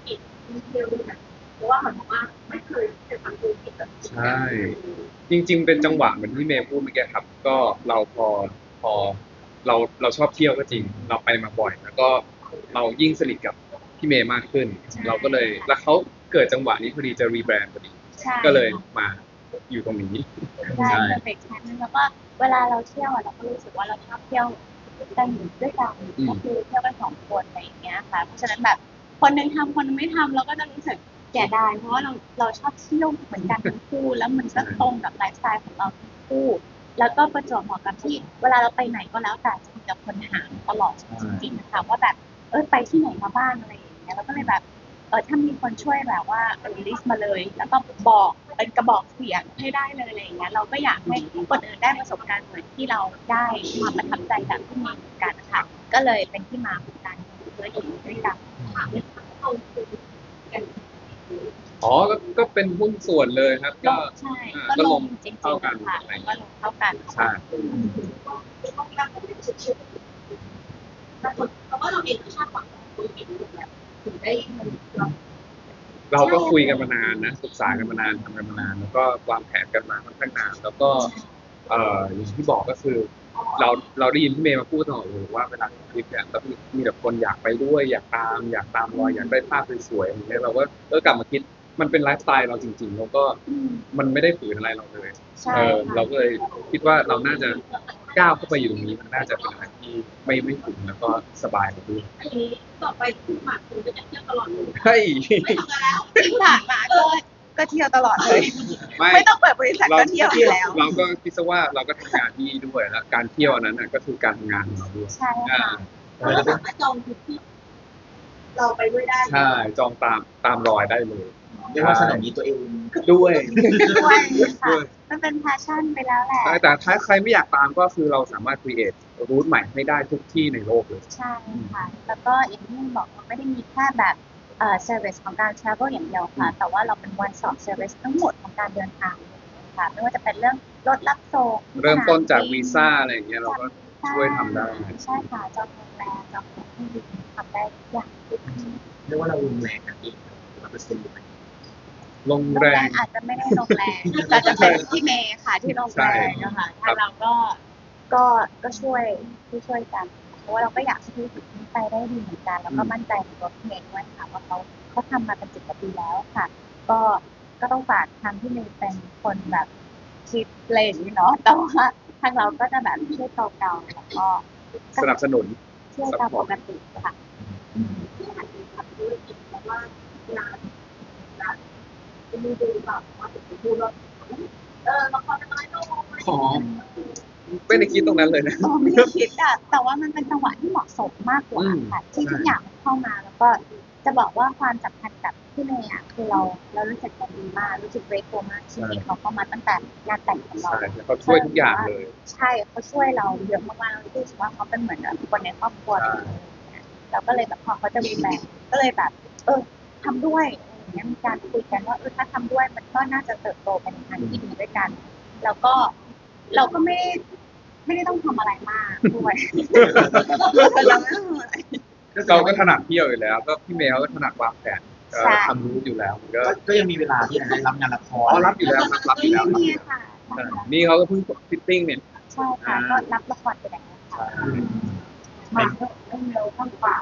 กิจมีเที่ยวด้วยนะเพราะว่าเหมือนกับว่าไม่เคยทำธุรกิจแบบใช่จริงๆเป็นจังหวะเหมือนที่เมย์พูดเมื่อกี้ครับก็เราพอเราชอบเที่ยวก็จริงเราไปมาบ่อยแล้วก็เรายิ่งสนิทกับพี่เมย์มากขึ้นใช่เราก็เลยแล้วเขาเกิดจังหวะนี้พอดีจะรีแบรนด์พอดีใช่ก็เลยค่ะมาอยู่ตรงนี้ได้ใช่ perfect timing แล้วก็เวลาเราเที่ยวเราก็รู้สึกว่าเราชอบเที่ยวกันด้วยกันก็คือเที่ยวกัน2 คนอะไรอย่างเงี้ยค่ะเพราะฉะนั้นแบบคนนึงทำคนนึงไม่ทำเราก็จะรู้สึกเสียดายเพราะว่าเราชอบเที่ยวเหมือนกันทั้งคู่แล้วมันก็ตรงกับไลฟ์สไตล์ของเราทั้งคู่แล้วก็ประจวบเหมาะกับที่เวลาเราไปไหนก็แล้วแต่จะมีแต่คนถามตลอดจริงๆนะคะว่าแบบไปที่ไหนมาบ้างอะไรอย่างเงี้ยเราก็เลยแบบ ถ้ามีคนช่วยแบบว่าลิสต์มาเลยแล้วก็บอกเป็นกระบอกเสียงให้ได้เลยอะไรอย่างเงี้ยเราก็อยากให้คนอื่นได้ประสบการณ์เหมือนที่เราได้ความประทับใจจากที่มีเหมือนกันค่ะก็เลยเป็นที่มาของการทำธุรกิจด้วยกันเอาคือกันอ๋อก็เป็นหุ้นส่วนเลยครับก็ใช่ก็ลงก็ลงจริงเท่ากันๆค่ะอะไรอย่างก็เงี้ยลงเท่ากันใช่ที่ต้องการผมเป็นชื่อแต่เพราะว่าเราเองก็ชาติหวังธุรกิจแบบถึงได้เราเราก็คุยกันมานานนะศึกษากันมานานทำกันมานานแล้วก็วางแผนกันมาค่อนข้างนานแล้วก็อย่างที่บอกก็คือเราเราได้ยินพี่เมย์มาพูดตลอดเลยว่าเวลาทำคลิปเนี่ยแล้วมีแต่คนอยากไปด้วยอยากตามรอยอยากได้ภาพสวยๆอย่างเงี้ยเราก็กลับมาคิดมันเป็นไลฟ์สไตล์เราจริงๆแล้วก็มันไม่ได้ฝืนอะไรเราเลยใช่เราค่ะก็เลยคิดว่าเราน่าจะก้าวเข้าไปอยู่ตรงนี้มันน่าจะเป็นอะไรที่ไม่ฝืนแล้วก็สบายกว่าด้วยอันนี้ต่อไปคุณหมากคุณจะเที่ยวตลอดเลยเฮ้ยไม่ทำกันแล้วที่ผ่านมาก็เที่ยวตลอดเลยไม่ไม่ต้องเปิดบริษัทเราก็เที่ยวอยู่แล้วเราก็คิดซะว่าเราก็ทำงานที่นี่ด้วยแล้วการเที่ยวอันนั้นน่ะก็คือการทำงานของเราด้วยใช่อ่าค่ะเราสามารถจองทริปที่เราไปด้วยได้ใช่จองตามรอยได้เลยเรียกว่าสนองนี้ตัวเองด้วยด้วยค่ะด้วยมันเป็น passion ไปแล้วแหละใช่แต่ถ้าใครไม่อยากตามก็คือเราสามารถ create รูทใหม่ให้ได้ทุกที่ในโลกเลยใช่ค่ะแล้วก็อย่างที่บอกเราไม่ได้มีแค่แบบservice ของการ travel อย่างเดียวค่ะแต่ว่าเราเป็น one stop service ทั้งหมดของการเดินทางค่ะไม่ว่าจะเป็นเรื่องรถรับส่งเริ่มต้นจากวีซ่าอะไรอย่างเงี้ยเราก็ช่วยทำได้ใช่ค่ะจองโรงแรมจองตั๋วเครื่องบินทำได้ทุกอย่างเรียกว่าเราลงแรงกันเอง100%เลยไหมลงโรงแรแรง อาจจะไม่ได้ลงแรงแต่จะเป็นพี่เมย์ค่ะที่ลงแรงนะคะถ้าเราก็ช่วยกันเพราะว่าเราก็อยากให้ธุรกิจนี้ไปได้ดีเหมือนกันแล้วก็มั่นใจในตัวพี่เมย์ด้วยค่ะว่าเขาทำมาเป็น10 กว่าปีแล้วค่ะก็ก็ต้องฝากทางพี่เมย์เป็นคนแบบคิดเลนเนาะแต่ว่าทางเราก็จะแบบช่วยเกาๆแล้วก็สนับสนุนช่วยตามปกติค่ะที่หันไปทำธุรกิจเพราะว่างานจะมีดูแบบว่าถึงพูดว่าละครจะน้อยลงขอไม่ได้คิดตรงนั้นเลยนะไม่ได้คิดอะแต่ว่ามันเป็นจังหวะที่เหมาะสมมากกว่าค่ะที่ทุกอย่างเข้ามาแล้วก็จะบอกว่าความสัมพันธ์กับพี่เมย์อะคือเรารู้สึกกันดีมากรู้สึกเกรทโฟมากที่เขาเข้ามาตั้งแต่งานแต่งของเราใช่เขาช่วยทุกอย่างเลยใช่เขาช่วยเราเยอะมากๆเรารู้สึกว่าเขาเป็นเหมือนคนในครอบครัวเราก็เลยแบบพอเขาจะรีแบรนด์ก็เลยแบบทำด้วยอย่างเงี้ยมีการคุยกันว่าถ้าทำด้วยมันก็น่าจะเติบโตไปในทางที่ดีด้วยกันแล้วก็เราก็ไม่ได้ต้องทำอะไรมากด้วยเราไม่ต้องทำอะไรเราก็ถนัดเที่ยวอยู่แล้วก็พี่เมย์เขาก็ถนัดวางแผนทำรูทอยู่แล้วมันก็ยังมีเวลาที่จะได้รับงานละครรับอยู่แล้วรับอยู่แล้วนี่ค่ะนี่เขาก็เพิ่งฟิตติ้งเนี่ยใช่ค่ะก็รับละครไปแล้วค่ะมาต้องเร็วข้างป่า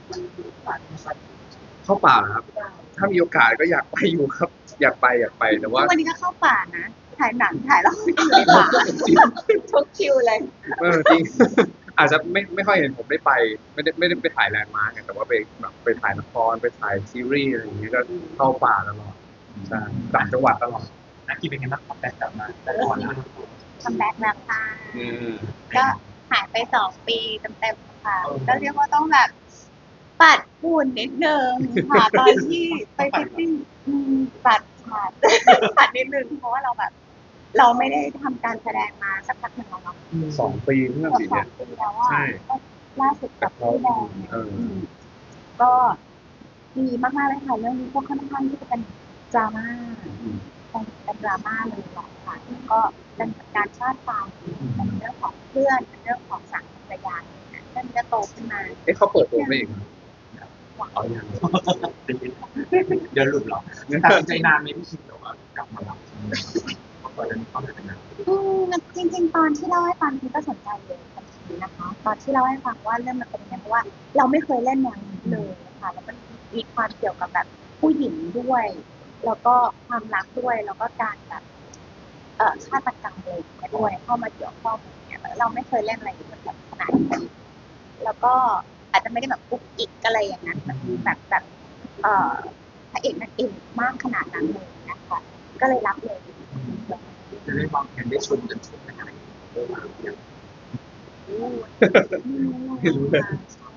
เข้าป่าครับถ้ามีโอกาสก็อยากไปอยู่ครับอยากไปแต่ว่าวันนี้ก็เข้าป่านะถ่ายหนังถ่ายละครอยู่ในป่าทุกคิวเลยจริงอาจจะไม่ค่อยเห็นผมได้ไปไม่ได้ไปถ่ายแลนด์มาร์กแต่ว่าไปแบบไปถ่ายละครไปถ่ายซีรีส์อะไรอย่างเงี้ยก็เข้าป่าตลอดใช่ต่างจังหวัดตลอดนักกีฬาเป็นไงบ้างครับแต่กลับมาแต่ก่อนนะคัมแบ็กแล้วค่ะก็หายไป2 ปีเต็มๆค่ะก็เรียกว่าต้องแบบปัดฝุ่นนิดนึงค่ะตอนที่ไปฟิตติ้งปัดปัดนิดนึงเพราะว่าเราแบบเราไม่ได้ทำการแสดงมาสักพักหนึ่งแล้วเนาะ 2 ปีเมื่อปีเนี่ย 2 ปีแล้วว่าล่าสุดกับพี่แดงก็ดีมากๆเลยค่ะเรื่องนี้ก็ค่อนข้างที่จะเป็นดราม่าเป็นดราม่าเลยแหละค่ะก็เป็นการชาติความเป็นเรื่องของเพื่อนเป็นเรื่องของสังคมระยะเรื่องนี้จะโตขึ้นมาเขาเปิดตัวเองกว่าเอาอย่างเดี๋ยวหลุดหรอตัดสินใจนานไหมพี่ชินแต่ว่ากลับมารับเพราะตอนนั้นเขาไม่เป็นนานจริงๆตอนที่เล่าให้ฟังพี่ก็สนใจเลยทันทีนะคะตอนที่เล่าให้ฟังว่าเรื่องมันเป็นยังไงเพราะว่าเราไม่เคยเล่นแนวนี้เลยค่ะแล้วมันมีความเกี่ยวกับแบบผู้หญิงด้วย แล้วก็ความรักด้วยแล้วก็การแบบฆาตกรรมอะไรอย่างเงี้ยด้วยเข้ามาเกี่ยวข้องอย่างเงี้ยเราไม่เคยเล่นอะไรแบบขนาดนี้แล้วก็อาจจะไม่ได้แบบกุ๊กกิ๊กอะไรอย่างนั้นแบบพระเอกนางเอกมากขนาดนั้นเลยนะคะก็เลยรับเลยจะได้วางแผนได้ชมกันช่วงไหนเอออย่างไม่รู้เลย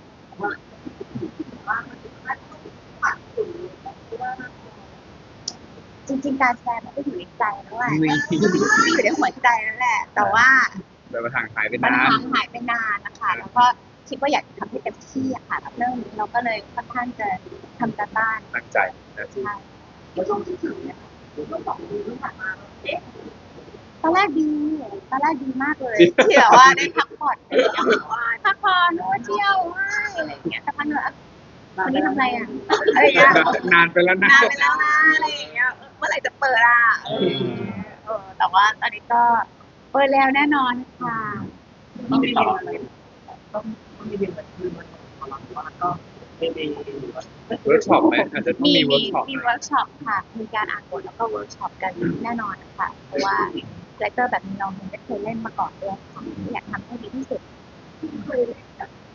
จริงๆการแสดงมันก็อยู่ในใจแล้วแหละนี่อยู่ในหัวใจนั่นแหละ แต่ว่าแต่มาห่างหายไปมันนานห่างหายไปนานนะคะแล้วก็คิดว่าอยากจะทำให้เต็มที่อะค่ะกับเรื่องนี้เราก็เลยค่อนข้างจะทำการบ้านตั้งใจนะที่ใช่ในช่วงที่ถึงเนี่ยก็บอกดีที่ผ่านมาตอนแรกดีมากเลยที่แบบว่าได้พักผ่อนพักผ่อนเที่ยวอะไรอย่างเงี้ยแต่พักเหนื่อยวันนี้ทำอะไรอ่ะอะไรอย่างเงี้ยนานไปแล้วนะนานไปแล้วนะอะไรอย่างเงี้ยเมื่อไหร่จะเปิดอ่ะแต่ว่าตอนนี้ก็เปิดแล้วแน่นอนค่ะต้องติดต่ออะไรต้องมีเรียนแบบคือมันว่าก็ไม่มีเวิร์กช็อปไหมอาจจะต้องมีเวิร์กช็อปมีเวิร์กช็อปค่ะมีการอ่านบทแล้วก็เวิร์กช็อปกันแน่นอนค่ะเพราะว่าคาแรคเตอร์แบบนี้เราไม่เคยเล่นมาก่อนด้วยค่ะอยากทำให้ดีที่สุดเคยเล่น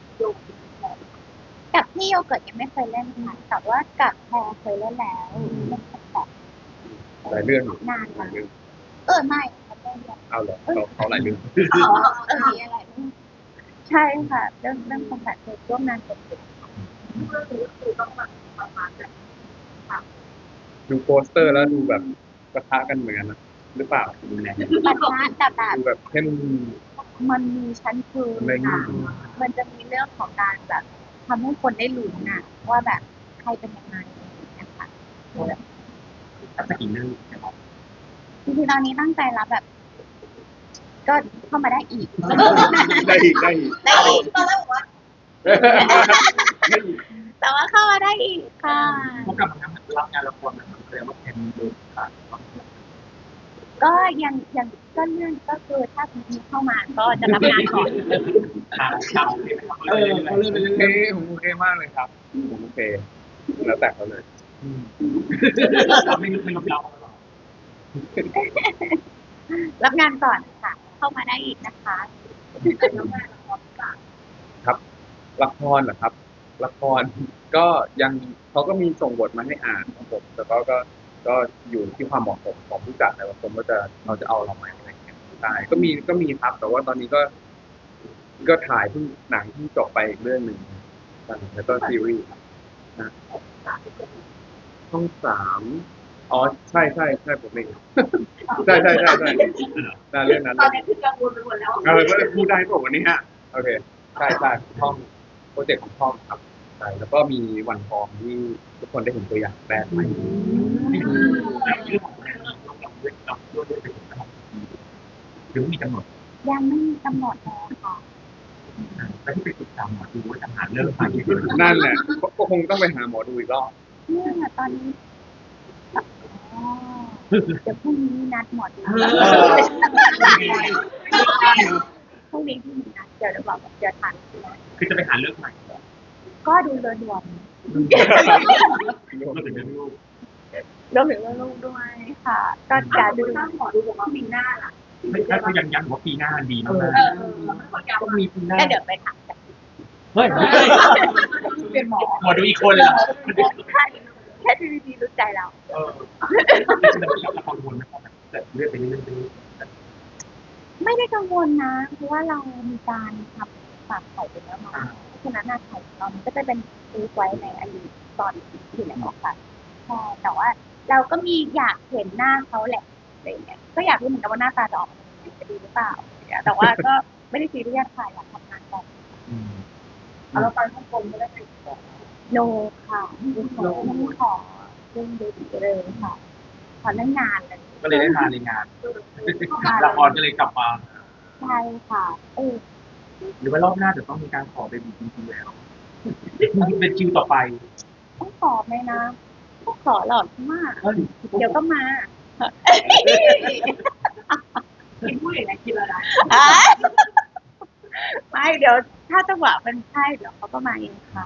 กับพี่โยเกิร์ตยังไม่เคยเล่นค่ะแต่ว่ากับแพรเคยเล่นแล้วเล่นแบบหลายเรื่องอยู่นานหลายเรื่องไม่เขาเล่นแบบเอาเหรอเขาหลายเรื่องมีอะไรใช่ค่ะเรื่องคอมแบทเคยร่วมงานกับเรื่องนี้คือต้องมาประมาณแบบดูโปสเตอร์แล้วดูแบบปะทะกันเหมือนกันนะหรือเปล่าดูแลปัญหาแต่แบบดูแบบเข้มมันมีชั้นคืนไม่ค่ะมันจะมีเรื่องของการแบบทำให้คนได้ลุ้นน่ะว่าแบบใครเป็นยังไงนะคะตั้งแต่กี่เรื่องจริงๆตอนนี้ตั้งใจรับแบบ ก็เข้ามาได้อีกได้อีกได้อีกได้อีกตอนแรกบอกว่าได้อีกแต่ว่าเข้ามาได้อีกค่ะพวกกลับมารับงานละครนะครับแสดงว่าเป็นเดินผ่านก็ยังก็เรื่องก็คือถ้ามีเข้ามาก็จะรับงานก่อนชาวเลยนะครับเขาเริ่มไปโอเรื่เคอยผมโอเคมากเลยครับผมโอเคแล้วแต่เขาเลยๆไม่รับเรารับงานก่อนค่ะ เข้ามาได้อีกนะคะแล้วแม่ละครต่างครับละครเหรอครับ ละครก็ยังเขาก็มีส่งบทมาให้อ่านครับผมแต่ก็อยู่ที่ความเหมาะสมของผู้จัดแต่ว่าผมก็จะเราจะเอาเราไหมอะไรอย่างเงี้ยใช่ก็มีครับ แต่ว่าตอนนี้ก็ถ่ายเพิ่งหนังที่จบไปอีกเรื่องหนึ่งใช่แล้วก็ซีรีส์นะช่องสามอ๋อใช่ผมเองใช่เรื่องนั้นตอนนี้คือกังวลไปหมดแล้วก็พูดได้ป่ะวันนี้ฮะโอเคใช่ช่องโปรเจกต์ของช่องครับใช่แล้วก็มีวันทองที่ทุกคนได้เห็นตัวอย่างแรกไปหรือมีกำหนดยังไม่มีกำหนดเลยค่ะแล้วที่ไปติดตามหมอดูว่าจะหาเรื่องอะไรนั่นแหละก็คงต้องไปหาหมอดูอีกรอบเนี่ยตอนนี้อ๋อเดี๋ยวพรุ่งนี้นัดหมอดูพรุ่งนี้ที่มีนัดเดี๋ยวบอกเดี๋ยวทันคือจะไปหาเรื่องใหม่ก็ดูเรือดวงก็ถึงจะรู้รวมถึงเรื่องลูกด้วยค่ะ ก็จะดูถ้าหมอดูบอกว่าปีหน้าล่ะไม่ใช่เขายังย้ำว่าปีหน้าดีมากคนยาวต้องมีปีหน้าก็เดี๋ยวไปถามกันเฮ้ยเป็นหมอหมอดูอีกคนเหรอแค่ดีๆรู้ใจเราเรากังวลนะครับแต่เลื่อนไปเรื่อยไม่ได้กังวลนะ เพราะว่าเรามีการทำฝากไข่ไปแล้วมาเพราะฉะนั้นไข่เรามันก็จะเป็นซื้อไว้ในอดีตตอนที่ไหนออกค่ะใช่แต่ว่าเราก็มีอยากเห็นหน้าเขาแหละอะไรเงี้ยก็อยากรู้เหมือนกันว่าหน้าตาจะออกมาเป็นยังไงจะดีหรือเปล่าแต่ว่าก็ไม่ได้ซีเรียสค่ะอยากทำงานก่อนเราไปฮ่องกงไม่ได้ไปขอโนค่ะไม่ขอเรื่องดีเลยค่ะขอเรื่องงานเลยก็เลยได้มาในงานละครก็เลยกลับมาใช่ค่ะหรือว่ารอบหน้าจะต้องมีการขอเป็นจริงๆแล้วเป็นคิวต่อไปต้องขอไหมนะต้องขอหรอกมากเอ้ยเดี๋ยวก็มากินผู้หญิงนะกินแล้วนะไม่เดี๋ยวถ้าจังหวะมันใช่เดี๋ยวเขาก็มาเองค่ะ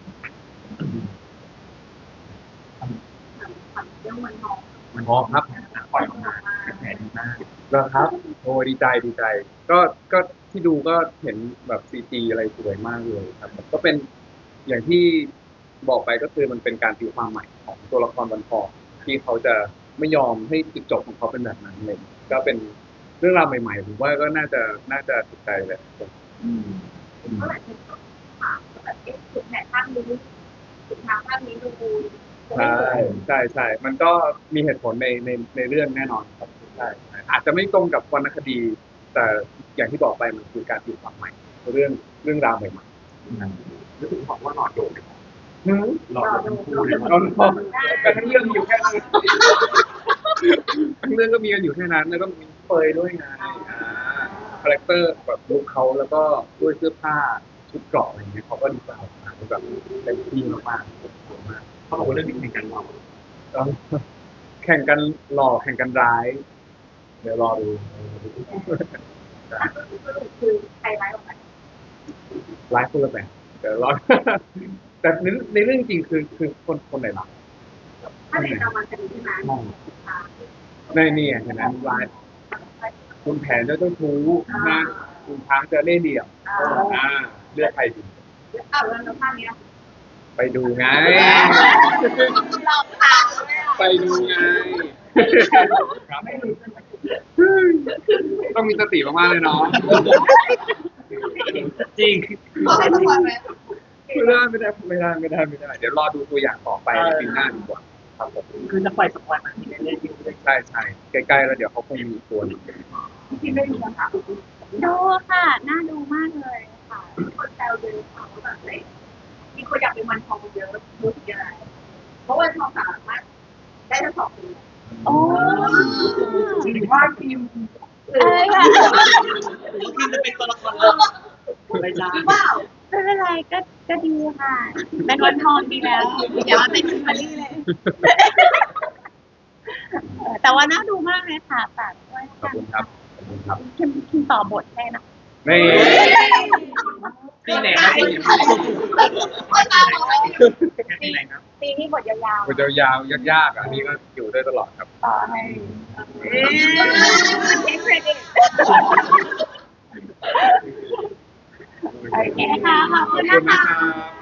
ทำเรื่องมันนองมันพอครับปล่อยออกมาแผลดีมากแล้วครับโอ้ดีใจดีใจ ก็ที่ดูก็เห็นแบบซีจีอะไรสวยมากเลยครับก็เป็นอย่างที่บอกไปก็คือมันเป็นการตีความใหม่ของตัวละครวันทองที่เขาจะไม่ยอมให้จุดจบของเขาเป็นแบบนั้นเลยก็เป็นเรื่องราวใหม่ๆผมว่าก็น่าจะถูกใจเลยเมื่อไหร่ที่เขาถามแบบเอ๊ะสุดแผนภาพนี้สุดทางภาพนี้ดูใช่มันก็มีเหตุผลในเรื่องแน่นอนครับใช่อาจจะไม่ตรงกับวรรณคดี แต่อย่างที่บอกไปมันคือการตีความใหม่เรื่องราวใหม่รู้สึกบอกว่าหลอดโดดเลยๆหลอดโดดทั้งคู่เลยเราแต่ทั้งเรื่องมีอยู่แค่นั้นทั้งเรื่องก็มีกันอยู่แค่นั้นแล้วก็มีเฟยด้วยไงคาแรคเตอร์แบบลุคเขาแล้วก็ด้วยเสื้อผ้าชุดเกราะอะไรเงี้ยเขาก็ดีไซน์ออกมาแบบเต็มที่มากๆสวยมากเขาบอกว่าเรื่องนี้เป็นการหลอกแข่งกันหล่อแข่งกันร้าย เดี๋ยวรอดูคือใครร้ายกว่ากันร้ายคนละแบบเดี๋ยวรอ แต่ในเรื่องจริงคือคนไหนร้ายถ้าในกรรมคดีใช่ไหมในนี่เห็นไหมร้ายคุณแผนเจ้าชู้นะคุณช้างจะเล่ห์เหลี่ยมเลือกใครดีอ้าวแล้วภาพนี้ไปดูไงหลอกถามเลยไปดูไง ต้องมีสติมากๆเลยเนาะจริงบอกให้ทุกคนไหมไม่ได้ เดี๋ยวรอดูตัวอย่างต่อไปในปีหน้าดีกว่าครับผมคือจะปล่อยสักวันนะที่เล่นๆอยู่เลยใช่ใกล้ๆแล้วเดี๋ยวเขาคงมีอีกตัวหนึงที่ไม่มีคำถามดูค่ะ น่าดูมากเลยค่ะคนแซวเยอะค่ะว่าแบบมีคนอยากเป็นวันทองเยอะรู้สึกยังไงเพราะวันทองสามารถได้ทั้งสองคนโอ้จริงว่าทีมค่ะทีมจะเป็นตัวละครเลยไม่ได้หรือเปล่าไม่เป็นไรก็ดีค่ะ เป็นวันทองดีแล้ว อย่ามาเป็นคิมเบอรรี่เลย แต่ว่าน่าดูมากเลยค่ะฝากด้วยขอบคุณครับขอบคุณครับคิมต่อบทให้นะนี่ปีไหนครับปีไหนคนตาบอกว่าปีไหนครับปีนี้บทยาวมันจะยาวยากๆอันนี้ก็อยู่ได้ตลอดครับๆต่อให้เทคเครดิตโอเคค่ะ ขอบคุณขอบคุณนะคะนะครับ